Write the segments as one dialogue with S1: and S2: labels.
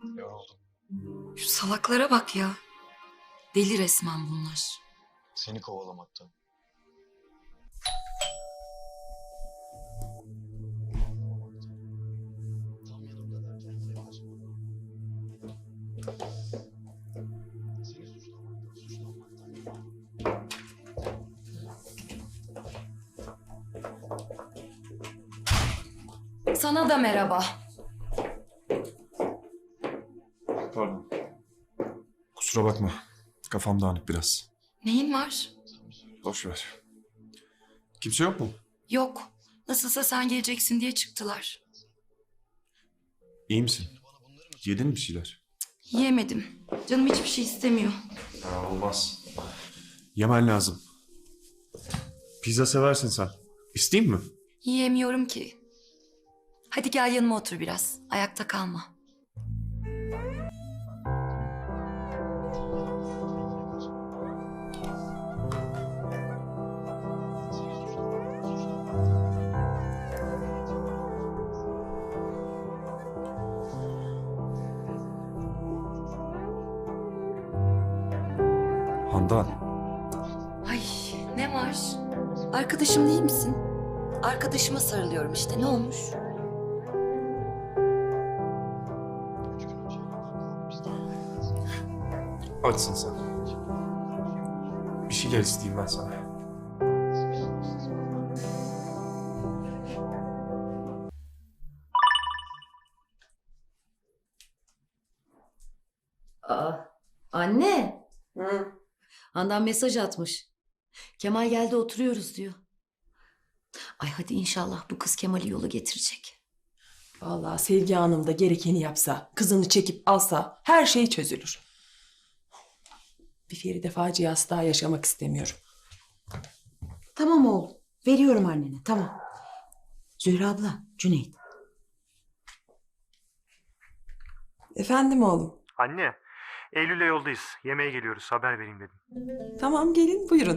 S1: Yoruldum.
S2: Şu salaklara bak ya. Deli resmen bunlar.
S1: Seni kovalamaktan. Tam yanımda derken yaklaşmadan. Seni suçlamaktan.
S2: Sana da merhaba.
S3: Pardon. Kusura bakma. Kafam dağınık biraz.
S2: Neyin var?
S3: Boş ver. Kimse yok mu?
S2: Yok. Nasılsa sen geleceksin diye çıktılar.
S3: İyi misin? Yedin mi bir şeyler?
S2: Yiyemedim. Canım hiçbir şey istemiyor.
S3: Ya olmaz. Yemen lazım. Pizza seversin sen. İsteyeyim mi?
S2: Yiyemiyorum ki. Hadi gel yanıma otur biraz. Ayakta kalma.
S3: Handan.
S2: Ay ne var? Arkadaşım değil misin? Arkadaşıma sarılıyorum işte. Ne olmuş?
S3: Açsın sen. Bir şeyler isteyeyim ben sana.
S4: Aa, anne.
S5: Hı.
S4: Handan mesaj atmış. Kemal geldi oturuyoruz diyor. Ay hadi inşallah bu kız Kemal'i yola getirecek.
S5: Vallahi Sevgi Hanım da gerekeni yapsa, kızını çekip alsa her şey çözülür. Bir Feride faciası daha yaşamak istemiyorum.
S6: Tamam oğlum. Veriyorum annene. Tamam. Zühre abla, Cüneyt.
S5: Efendim oğlum.
S7: Anne, Eylül'le yoldayız. Yemeğe geliyoruz. Haber vereyim dedim.
S5: Tamam gelin buyurun.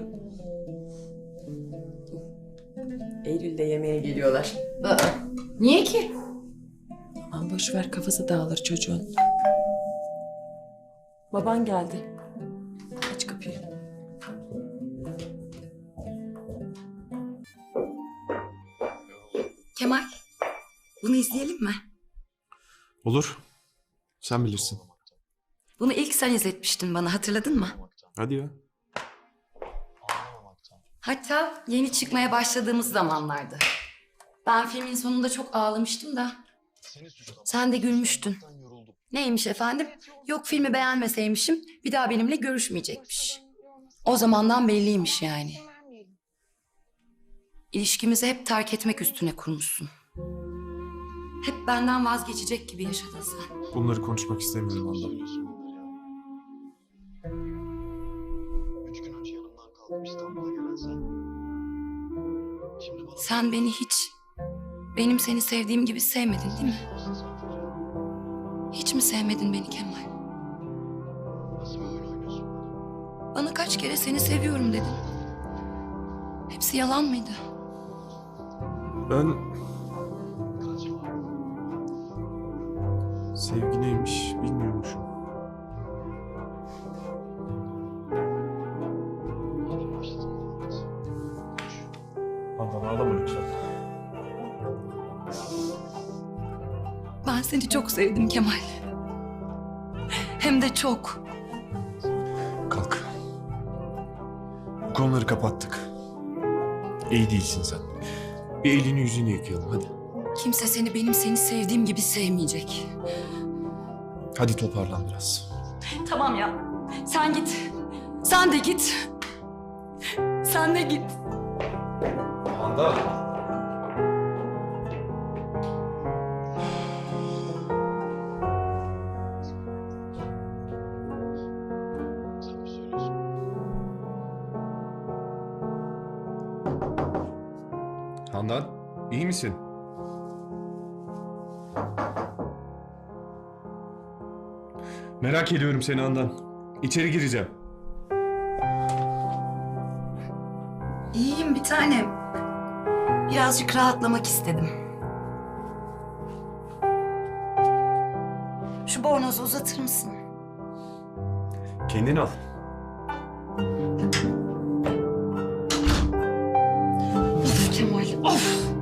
S5: Eylül'de yemeğe geliyorlar.
S4: Aa, niye ki?
S5: Aman boş ver kafası dağılır çocuğun. Baban geldi. Aç kapıyı.
S2: Kemal, bunu izleyelim mi?
S3: Olur. Sen bilirsin.
S2: Bunu ilk sen izletmiştin bana, hatırladın mı?
S3: Hadi ya.
S2: Hatta yeni çıkmaya başladığımız zamanlardı. Ben filmin sonunda çok ağlamıştım da. Sen de gülmüştün. Neymiş efendim? Yok filmi beğenmeseymişim, bir daha benimle görüşmeyecekmiş. O zamandan belliymiş yani. İlişkimizi hep terk etmek üstüne kurmuşsun. Hep benden vazgeçecek gibi yaşadın sen.
S3: Bunları konuşmak istemiyorum Handan.
S1: 3 gün önce yanımdan kalkıp İstanbul'a gelen sen. Şimdi bana...
S2: Sen beni hiç, benim seni sevdiğim gibi sevmedin değil mi? Hiç mi sevmedin beni Kemal?
S1: Nasıl bir oyun oynuyorsun?
S2: Bana kaç kere seni seviyorum dedin. Hepsi yalan mıydı?
S3: Ben... Sevgi neymiş bilmiyormuşum.
S1: Madem başladın Muhammed.
S3: Handan ağlama lütfen.
S2: Ben seni çok sevdim Kemal. Hem de çok.
S3: Kalk. Bu konuları kapattık. İyi değilsin sen. Bir elini yüzünü yıkayalım hadi.
S2: Kimse seni benim seni sevdiğim gibi sevmeyecek.
S3: Hadi toparlan biraz.
S2: Tamam ya. Sen git. Sen de git. Sen de git.
S3: Handan.
S1: Sen mi söylüyorsun?
S3: Handan, iyi misin? Merak ediyorum seni Handan. İçeri gireceğim.
S2: İyiyim bir tanem. Birazcık rahatlamak istedim. Şu bornozu uzatır mısın?
S3: Kendini al.
S2: Of Kemal, of!